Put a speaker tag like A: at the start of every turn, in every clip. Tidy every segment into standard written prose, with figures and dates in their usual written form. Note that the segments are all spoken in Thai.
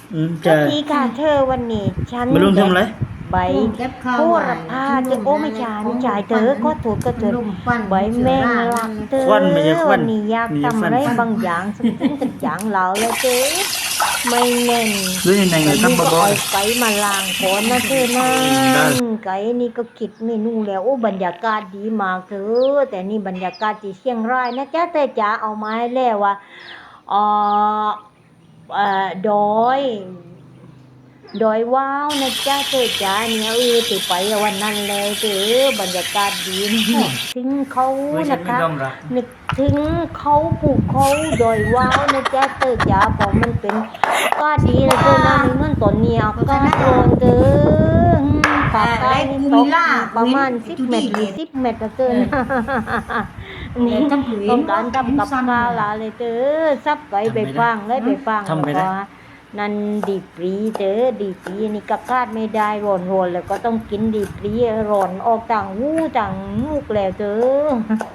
A: จะ
B: ทีค่ะเธอวันนี้ฉัน
A: มาลุงทำอะไร
B: ใบโหระพาเธอโอ้ไม่ใช่ไม่ใช่เธอก็ถูกก็เธอใบแมงลักเธอ
A: ควันไม่ใช่ควั
B: วัน นนี้อยากทำอะไรบางอย่างสักอย่างเราเลยเธอไม่แน่น
A: ด้วยในไง
B: วัน
A: ครับ
B: นี้ก็
A: บอ
B: เอา
A: ส
B: ไก่มาล้างก่อนนะเธอนะ
A: ได้
B: ไก่นี่ก็คิดเมนูแล้วโอ้บรรยากาศดีมากเธอแต่นี่บรรยากาศที่เชียงรายนะจ๊ะเธอจ๋าเอามาให้แล้วว่าเอ่อดอยว้าวนะจ๊ะเธอจ๋าเนี่ยติไปวันนั้นเลยเธอบรรยากาศดีนะถึงเขา
A: ไม่ใช่
B: นะคะ
A: ไม่ต้องรัก
B: นึกถึงเขาภูเขาดอยว้าวนะจ๊ะเธอจ๋าเพราะมันเป็นอากาศดีนะเธอนะไม่เหมือนตอนนี้อากาศร้อนเธอภาคใต้นี่ตกประมาณ10 เมตร20 เมตรนะเธอนะนี่ต้องการทำกับข้าวละเลยเธอซับไก่ไปฟังเลยไปฟัง
A: ทำไม่ได้
B: แล้วก็นั่นดีปรีเธอดีปรีนี่กับคาดไม่ได้ร้อนแล้วก็ต้องกินดีปรีร้อนออกต่างหูต่างมูกแล้วเธอ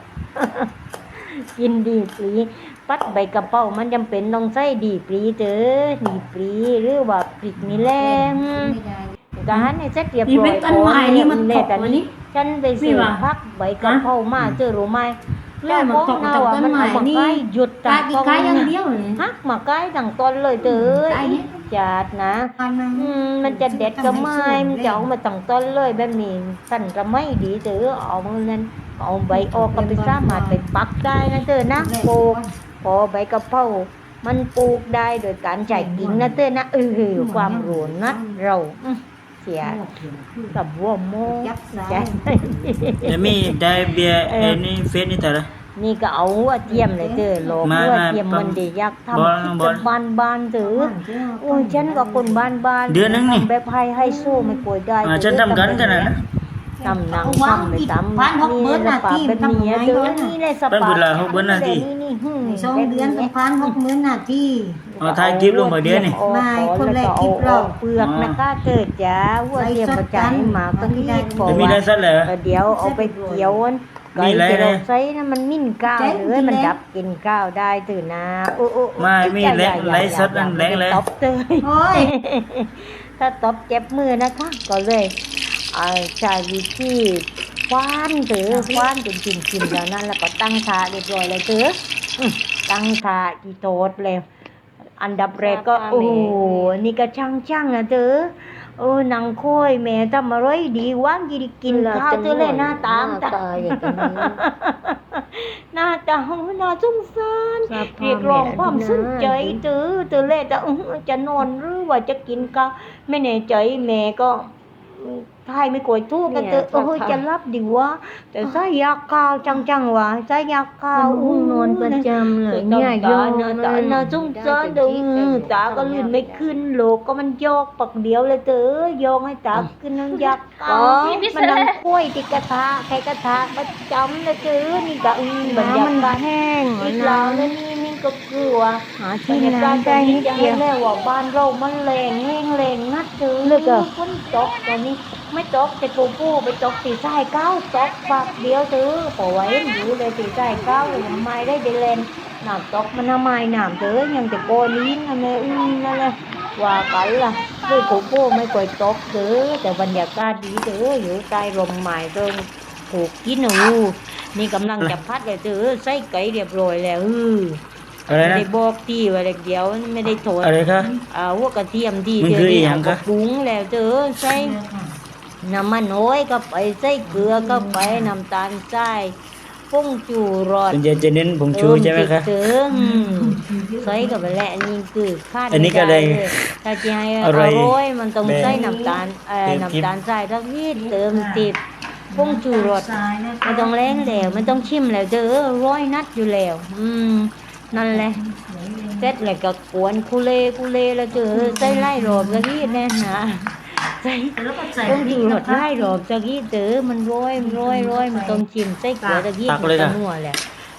B: กินดีปรีปัดใบกระเป๋ามันจำเป็นต้องใส่ดีปรีเธอดีปรีหรือว่าพริกนี่แหละการให้เสร็จเรียบร้อยแต่นี่ฉันไปซื้อพักใบกระเพรามาเจอรู้ไหมแล้วพวกเราอ่ะมันเอามาใกล้หยุดต่างต้นฮักมาใกล้ต่างต้นเลยเธอจัดนะมันจะเด็ดก็ไม่มันจะเอามาต่างต้นเลยแบบนี้สั่นจะไม่ดีเธอเอามือนั้นเอาใบออกก็ไปสามารถไปปักได้นะเธอนะปลูกพอใบกระเพรามันปลูกได้โดยการใจกิ่งนะเธอนะความรู้นะเราเสียกับวัวโมใจ
A: จะมีได้เบียร์นี่เฟสนี่แต่ละ
B: นี่ก็เอาหัวเทียมเลยเธอโลก
A: มา
B: หัวเทียมมันดีอยากทำ
A: บอล
B: บ้านเถอะโอ้ยฉันก็คนบ้าน
A: เดือนนึงนี่
B: แบบให้สู้ไม่กลัวได้
A: ฉันทำกันขนาดนั้น
B: ทำหนังทำไม่ทำนี่สปาเป็นเมียเธอนี่เลยส
A: เป็น
B: ปา
A: เวลา6 เดือนนาที
B: นี่
C: 2 เดือนกับ1,60,000 นาที
A: เอาถ่ายคลิปลงไปเดี๋ยวนี่
C: ไม่คนแรกคลิปเรา
B: เปลือกนะคะเกิดจ้าหัวเทียมกระจายหมาก็นี่ก่อ
A: จะมีอะไรสักเหรอ
B: เดี๋ยวเอาไปเกี่ยวไก่ที่เราใช้นะมันมิ่นก้าวเลยมันดับกินก้าวได้ตื่นนะ
A: ไม่มีแรงไร้สดอันแรงเลย
B: ตบเตย
C: โอ้ย
B: ถ้าตบเจ็บมือนะคะก็เลยใช้วิธีคว้านถือคว้านจนกินแล้วนั่นแล้วก็ตั้งท่าเรียบร้อยเลยถือตั้งท่าอีโตดเลยอันดับแรกก็โอ้นี่ก็ช่างนะเธอนางค่อยแม่ทำอะไรดีว่างกินข้าวเธอเลยหน้าตามตาหน้าตาน่าสงสารเรียกร้องความสนใจเธอเลยแต่จะนอนหรือว่าจะกินข้าวไม่แน่ใจแม่ก็ทายไม่กลัวทูกกันเธอจะรับดีวะแต่ใส่ยาข้าวจังวะใส่ยาข้าวน
C: อนประจำเลยเนี่ยโยน
B: ตาน่าสงสารเด้ตาก็ลื่นไม่ขึ้นโลกก็มันโยกปักเดียวเลยเธอยกให้ตาขึ้นน้ำยักษ์มันนั่งคุยที่กระทะใครกระทะประจำเลยเธอนี่ก็บรรยากาศแห้งอีกแล้วแล้วนี่ก็กลัวหาที่น้ำได้นิดเดียวแล้วว่าบ้านเรามันแรงแห้งแรงนัดเธอเลยก็ฝนตกตอนนี้ไม่ตกแต่ปูไปตกตีใต้เก้าตกปากเดียวเธอปล่อยอยู่เลยตีใต้เก้าเลยทำไมได้เดลนน้ำตกมันทำไมน้ำเธอยังแต่โกลิ้นอะไรนั่นแหละว่ากันล่ะด้วยปูไม่ค่อยตกเธอแต่บรรยากาศดีเธออยู่ใต้ลมไม้เธอถูกกินนี่กำลังจะพัดเลยเธอใส่ไก่เรียบร้อยแล้ว
A: อะไร
B: ไม่
A: นะ
B: ได้บอกที่ว่าเดียวไม่ได้โทษ
A: อะไรคะ
B: หัวกระเทียมที่
A: มัน
B: เธ
A: คือ
B: อ
A: อี
B: นี่
A: หยั
B: เอา
A: ง
B: กระ
A: คะ
B: ปรุงแล้วเธอใส่น้ำมันน้อยก็ไปใส่เกลือก็ไปน้ำตาลทรายผงชูรส
A: คุณจะเน้นผงชูใช่ไหมคะ
B: เติมใส่กับไปแล้วนี่คือคาด
A: อันนี้ก็
B: ไม่
A: ได้
B: ได้เลยถ้าจะให้อ
A: อะไร
B: ร่อยมันต้องใส่น้ำตาล
A: เติม
B: น้ำตาลทรายทักนิดเติมติดผงชูรสมันต้องแรงแล้วมันต้องชิมแล้วเธอร้อยนัดอยู่แล้วนั่นแหละเสร็จแล้วก็กวนคุเลแล้วเธอใส่ไล่รอบสักนิดแน่นะใส่ต้องดูรสไล่รอบสักนิดเธอมันร้อยมันต้องชิมใส่เกลือสักนิดมันจะนัวแหละ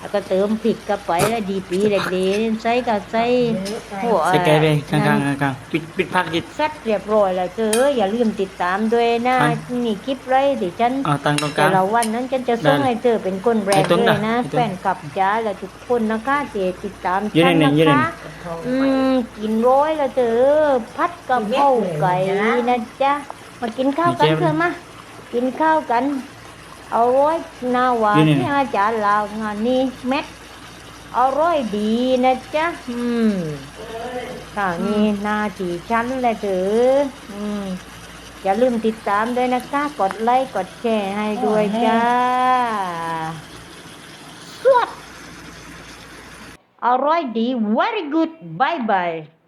B: แล้วก็เติมพริกเข้าไปแล้วดีปีเล็กๆใส่ก็ใส่หัว
A: ใส่ไก่ไปข้างๆปิดพักจิต
B: ซัดเรียบร้อยแล้วเจออย่าลืมติดตามด้วยนะ
A: ครับ
B: นี่คลิปไรที่ฉัน
A: เอาตังค์ตรงก
B: แต่
A: ลาง
B: ละวันนั้นฉันจะส่ง
A: ได้
B: ให้เธอเป็นคนแรก
A: ไอ้ต้น
B: เลย
A: น่ะ
B: นะ
A: ไอ้ต้น
B: แฟนคลับจ้าและทุกคนนะคะที่ติดตาม
A: ยืน
B: ฉัน
A: หนึ่
B: นะ
A: งยืนหนึ่ง
B: คะกินร้อยแล้วเจอพัดกะเพราไก่นะจ๊ะมากินข้าวกันเถอะมากินข้าวกันเอาร้อยนาวา
A: ยืนหนึ่ง
B: ที่อาจารย์ลาวงานนี้เม็ดอร่อยดีนะจ๊ะข่าวนี้หนาทีชั้นแหละเถอะอย่าลืมติดตามด้วยนะคะ กดไลค์กดแชร์ให้ด้วยจ้าสวดอร่อยดี very good bye bye